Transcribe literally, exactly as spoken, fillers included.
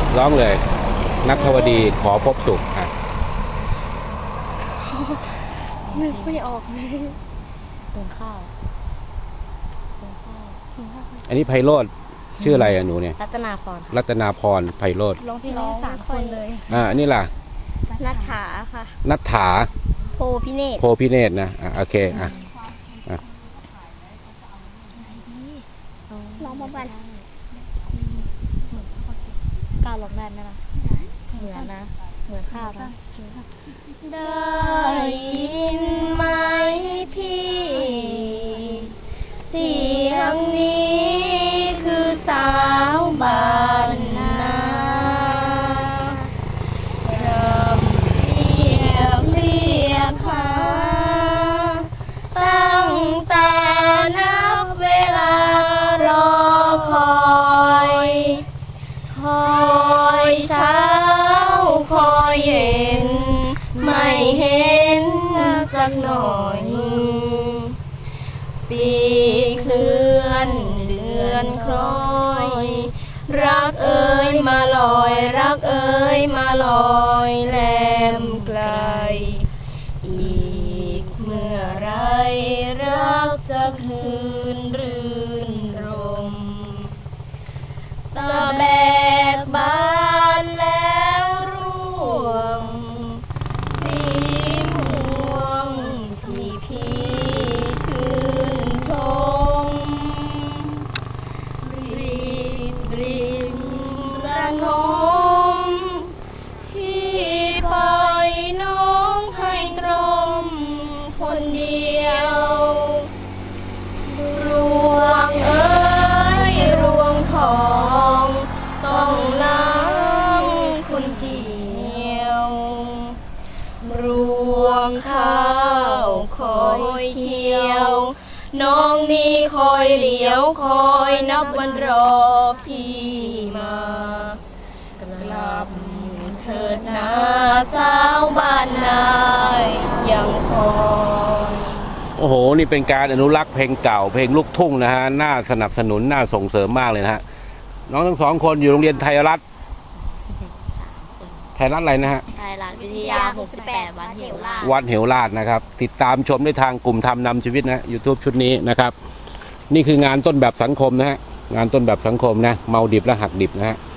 ร้องเลยนักธวดีขอพบสุขอ่ะนึกไม่ออกเลยหุงข้าวหุงข้าวหุงข้าวอันนี้ไพโรจน์ชื่ออะไรอะหนูเนี่ยรัตนาพรรัตนาพรไพโรจน์ร้องเพลงสามคนเลยอ่าอันนี้ล่ะนัทถาค่ะนัทถาโพพิเนศโพพิเนศนะอ่ะโอเคอ่ะอ่ะร้องมาบ้านก้าวร้องได้ไหมล่ะเหมือนนะเหมือนข้าวนะได้ยินไหมพี่เสียงนี้คือสาวบ้านนาเริ่มเรียกเรียกหาตั้งแต่นับเวลารอคอยคอยเช้าคอยเย็นไม่เห็นสักหน่อยปีเคลื่อนเดือนคล้อยรักเอ๋ยมาลอยรักเอ๋ยมาลอยแลมไกลอีกเมื่อไรรักจะคืนรื่นรมตะแบกบานแล้วร่วงสีม่วงที่พี่ชื่นชมรีบริมระงมพี่ปล่อยน้องให้ตรมคนเดียวรวงเอ๋ยรวงทองต้องล้างคนเดียวรวงข้าวคอยเที่ยวน้องนี้คอยเหลียวคอยนับวันรอพี่มากลับเถิดนาสาวบ้านนายยังคอยโอ้โหนี่เป็นการอนุรักษ์เพลงเก่าเพลงลูกทุ่งนะฮะน่าสนับสนุนน่าส่งเสริมมากเลยนะฮะน้องทั้งสองคนอยู่โรงเรียนไทยรัฐไทยรัฐอะไรนะฮะไทยรัฐวิทยาหกสิบแปดวัดเหวราชวัดเหวราชนะครับติดตามชมได้ทางกลุ่มทำนำชีวิตนะ YouTube ชุดนี้นะครับนี่คืองานต้นแบบสังคมนะฮะงานต้นแบบสังคมนะเมาดิบและหักดิบนะฮะ